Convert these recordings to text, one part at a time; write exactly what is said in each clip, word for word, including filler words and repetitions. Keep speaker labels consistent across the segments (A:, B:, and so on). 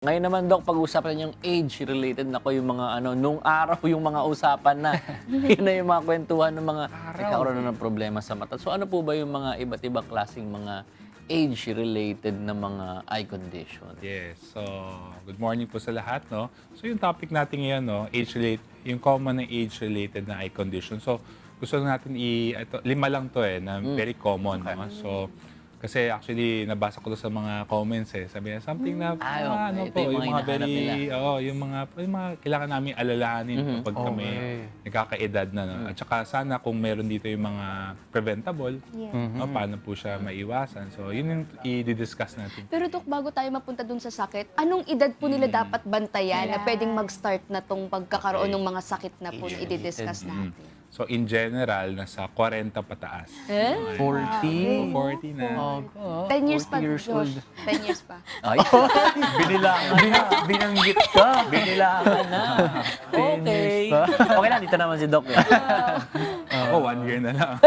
A: Ngayon naman, Dok, pag-usapan yung age-related na ko yung mga ano, nung araw yung mga usapan na. Yun na yung mga kwentuhan ng mga nagkakaroon na ng problema sa mata. So ano po ba yung mga iba't ibang klaseng mga age-related na mga eye condition?
B: Yes. So, good morning po sa lahat, no? So, yung topic natin ngayon, no, age-related, yung common na age-related na eye condition. So, gusto natin i ito, lima lang to eh, na very common, no? So, kasi actually nabasa ko to sa mga comments eh. Sabi niya something na
A: Ah,
B: ah,
A: okay.
B: ano
A: Ito
B: po,
A: yung
B: yung
A: mga
B: mga
A: hinahanap
B: very
A: nila.
B: oo, yung mga yung mga kailangan namin alalahanin kapag kami
C: Okay.
B: nagkakaedad na, no? At saka sana kung meron dito yung mga preventable, no, paano po siya maiwasan. So, yun yung i-discuss natin.
D: Pero Dok, bago tayo mapunta dun sa sakit, anong edad po nila dapat bantayan na pwedeng mag-start na tong pagkakaroon ng mga sakit na po na i-discuss natin?
B: So, in general, nasa forty pataas.
D: Eh?
C: forty?
B: forty na.
D: ten years pa,
C: forty years
D: Josh.
C: old.
D: ten years pa.
A: Ay, binilangan na.
C: Binanggit ka.
A: Binilangan na. Okay. Okay lang, dito naman si Doc. Eh.
B: Ako, one year na lang.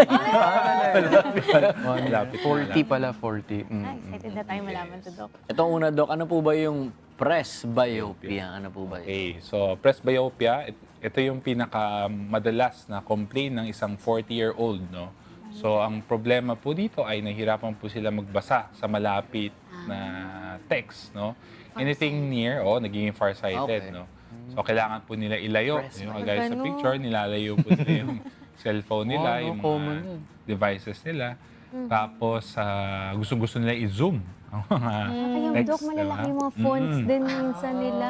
C: One,
B: Lapit na,
C: forty
B: lapit.
C: pala, forty. Mm.
E: Ah, excited na tayo malaman to, Doc.
A: Itong una, Doc, ano po ba yung presbyopia? Ano po ba yun?
B: Okay, so presbyopia, it- ito yung pinaka madalas na complaint ng isang forty-year-old, no? So, ang problema po dito ay nahihirapan po sila magbasa sa malapit na text, no? Anything near, oh, nagiging farsighted,
A: Okay.
B: no? So, kailangan po nila ilayo.
A: Presby-
B: Yung kagaya sa
E: Ganun.
B: picture, nilalayo po nila yung cellphone nila,
C: Oh, no,
B: yung
C: common
B: mga
C: yun.
B: devices nila. Tapos, ah, gusto-gusto nila i-zoom ang mga
E: Kaya,
B: text,
E: Doc, malalaki
B: diba?
E: yung mga fonts
B: Mm.
E: din minsan nila.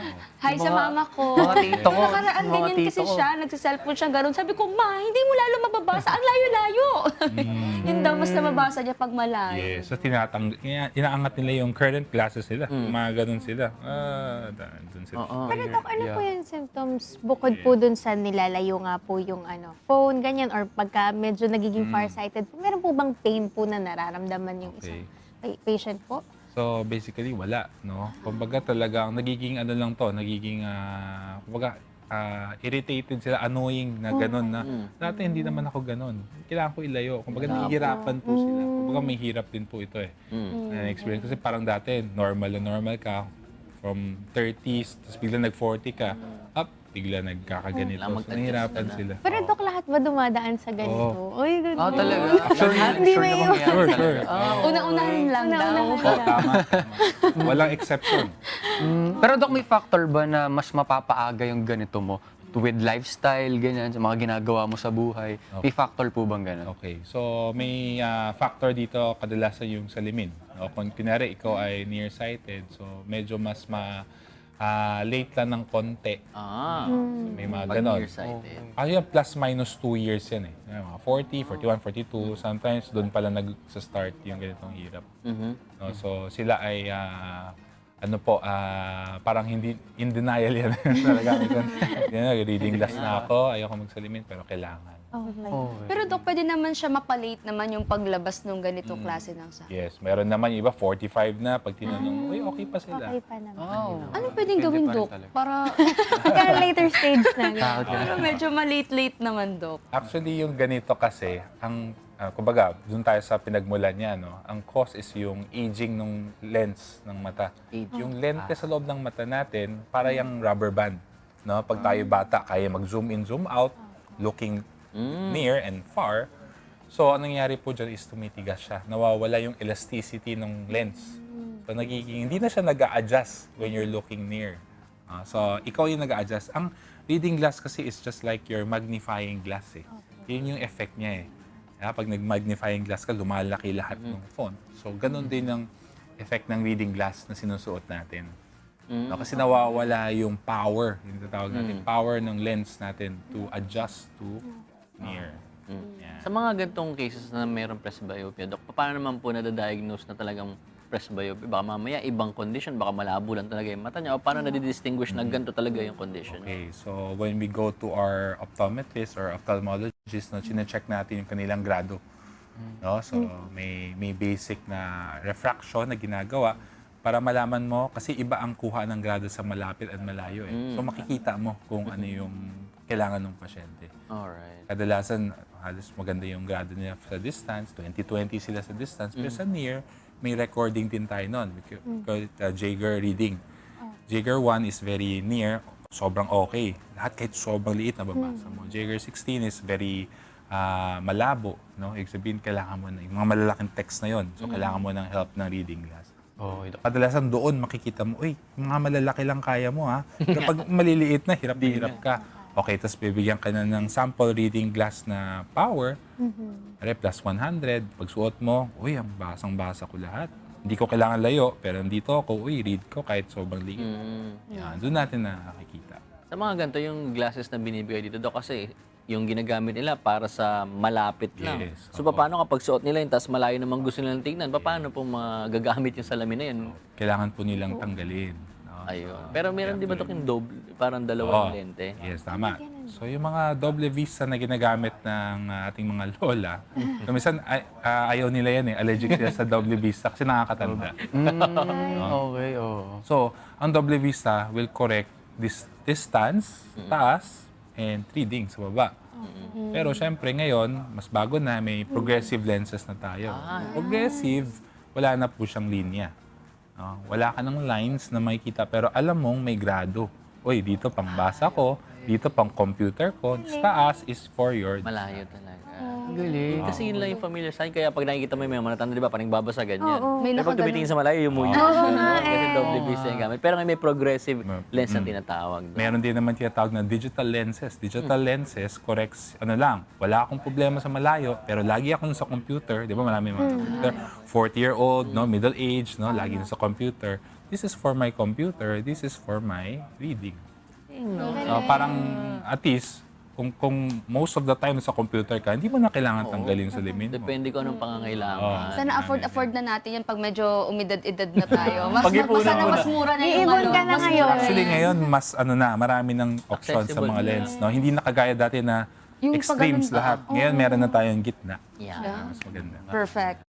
D: Hi sa
C: mga-
D: mama ko.
C: mga tito ko.
D: Nakaraan
C: Mga
D: ganyan
C: tito
D: kasi
C: ko.
D: siya, nagsiselfone siya gano'n. Sabi ko, ma, hindi mo lalo mababasa. Ang layo-layo. Yun daw, mas nababasa niya pag malayo.
B: Yes, so tinatang ina- inaangat nila yung current classes nila. Mga ganun sila. Ah, da- dun sila.
A: Oo.
E: Pero Doc, ano
C: Yeah.
E: po yung symptoms bukod po dun sa nilalayo nga po yung ano, phone, ganyan, or pagka medyo nagiging farsighted po, meron po bang pain po na nararamdaman yung isang pa- patient po?
B: So basically wala, no? Kumbaga talagang nagiging ano lang to, nagiging ah, kumbaga ah, irritated sila, annoying na ganun na. Dati hindi naman ako ganun. Kailangan ko ilayo. Kumbaga nahihirapan po sila. Kumbaga may hirap din po ito eh. Na experience kasi parang dati normal na normal ka from thirties, tapos bigla nag-forty ka, up, bigla nagkakaganito.
A: Kailangan
B: So,
A: mag-adjust
B: nahihirapan
A: ka na.
B: sila.
E: Pero Doc, lahat ba dumadaan sa ganito? Uy, ganun.
C: Ah, talaga?
A: Sure,
E: Hindi
A: sure
E: may-
A: na mangyari
B: Sure,
A: talaga.
B: sure.
D: Una-unahin lang daw.
E: Una-unahan
B: Oh, tama, tama. Walang exception.
C: Mm, Pero Doc, may factor ba na mas mapapaaga yung ganito mo? With lifestyle, ganyan, sa mga ginagawa mo sa buhay. May factor po bang ganun?
B: Okay. So, may ah, factor dito kadalasan yung salamin. O, kung pinari, ikaw ay nearsighted, so medyo mas ma ah, late lang ng konti.
A: Ah,
B: May mga
A: pag
B: ganon.
A: nearsighted.
B: Ah, yung plus minus two years yan eh. Yan, mga forty, forty-one, forty-two. Sometimes doon pala nag-start yung ganitong hirap.
A: Mhm.
B: No? So, sila ay ah, ano po, ah, parang hindi in denial yan. Talaga, yan, reading glass na ako, ayoko magsalimin, pero kailangan.
E: Okay.
C: Okay.
D: Pero Dok, pwede naman siya mapalate naman yung paglabas ng ganitong klase ng sakit.
B: Yes, meron naman yung iba, forty-five na. Pag tinanong, uy, okay pa sila.
E: Okay pa naman.
C: Oh.
D: Ano pwedeng
C: Depende
D: gawin,
C: pa rin
D: Dok?
C: talaga.
D: Para
E: Pagka later stage na. ganun.
C: Takot ka.
D: pero medyo malate-late naman, Dok.
B: Actually, yung ganito kasi, ang, ah, kumbaga, dun tayo sa pinagmulan niya, no? Ang cause is yung aging ng lens ng mata.
A: Aging.
B: Yung lente sa loob ng mata natin, para yung rubber band. No? Pag tayo bata, kaya mag-zoom in, zoom out, looking near and far. So, anong nangyari po dyan is tumitigas siya. Nawawala yung elasticity ng lens. So, nagiging, hindi na siya nag-a-adjust when you're looking near. Ah, so, ikaw yung nag-a-adjust. Ang reading glass kasi is just like your magnifying glass eh. Yun yung effect niya eh. Kaya pag nag-magnifying glass ka, lumalaki lahat ng font. So, ganun din ang effect ng reading glass na sinusuot natin. No, kasi nawawala yung power, yung tatawag natin, power ng lens natin to adjust to near. Yan.
A: Sa mga ganitong cases na mayroong presbyopia, Dok, paano naman po nadadiagnose na talagang presbyopia? Baka mamaya ibang condition, baka malabo lang talaga yung mata niya. O paano nadidistinguish na ganito talaga yung condition?
B: Okay, so when we go to our optometrist or ophthalmologist, no, chine-check natin yung kanilang grado. No? So may may basic na refraction na ginagawa para malaman mo, kasi iba ang kuha ng grado sa malapit at malayo. Eh. So makikita mo kung ano yung kailangan ng pasyente.
A: Alright.
B: Kadalasan, halos maganda yung grado nila sa distance, twenty twenty sila sa distance, pero sa near, may recording din tayo nun. We ca- call it uh, Jaeger reading. Jaeger one is very near, sobrang okay. Lahat kahit sobrang liit na babasa mo. Jaeger sixteen is very ah, malabo. No? Ibig sabihin, kailangan mo na, yung mga malalaking text na yon. So, kailangan mo ng help ng reading glass.
C: Okay, Doc.
B: Kadalasan doon makikita mo, uy, yung mga malalaki lang kaya mo ha. Kapag maliliit na, hirap na hirap ka. Okay, tapos bibigyan ka na ng sample reading glass na power. Re plus one hundred. Pag suot mo, uy, ang basang-basa ko lahat. Hindi ko kailangan layo, pero nandito ako, uy, read ko kahit sobrang liit.
A: Mm.
B: Yan, doon natin nakakikita.
A: Sa mga ganito, yung glasses na binibigay dito, Dok, kasi yung ginagamit nila para sa malapit lang.
B: Yes,
A: So,
B: oo.
A: paano kapag suot nila yun, tapos malayo naman gusto nilang tingnan, paano po magagamit yung salamin na yun?
B: Kailangan po nilang tanggalin. No?
A: Ayun. Pero meron di ba, Dok, yung double, parang
B: Oo.
A: dalawang lente?
B: Yes, tama. So yung mga double vista na ginagamit ng uh, ating mga lola, kumisan ay, ah, ayaw nila yan eh, allergic sila sa double vista kasi nakakatanda.
C: Mm, okay, oo.
B: So, ang double vista will correct this distance, taas, and reading sa baba. Pero syempre ngayon, mas bago na, may progressive lenses na tayo. Progressive, wala na po siyang linya. No? Wala ka ng lines na makikita, pero alam mong may grado. Uy, dito pang basa ko, dito pang computer ko, sa taas is for your...
A: Malayo talaga.
C: Ang galing.
A: Kasi yun lang yung familiar sign. Kaya pag nakikita mo yung mga manatanda, di ba, parang babasa ganyan.
E: Oo.
D: May
A: Pero pag
D: nakaganon.
A: tumitingin sa malayo, yung muyo. Kasi double vista yung gamit. Pero may progressive lens na tinatawag. doon.
B: Meron din naman tinatawag na digital lenses. Digital lenses corrects, ano lang, wala akong problema sa malayo, pero lagi ako sa computer, di ba marami mga computer, forty-year-old, no, middle age, no, lagi na sa computer. This is for my computer, this is for my reading. So, parang at least, kung, kung most of the time sa computer ka, hindi mo na kailangan tanggalin sa salamin mo.
A: Depende ko anong pangangailangan.
D: Sana afford-afford na natin yan pag medyo umidad-edad na tayo. Mas,
A: Pag-ipunan
D: mas, sana
A: mo na.
D: mas mura na yung
E: Iipon
D: ano.
E: ka na
D: mas
E: ngayon.
D: mura na
B: Actually
D: yan.
B: ngayon, mas ano na, marami ng options sa
A: Accessible
B: mga
A: na.
B: lens. No? Hindi na kagaya dati na
D: Yung
B: extremes
D: pag-ganun ba?
B: lahat. Ngayon, meron na tayong gitna.
A: Yeah.
B: Mas maganda.
D: Perfect.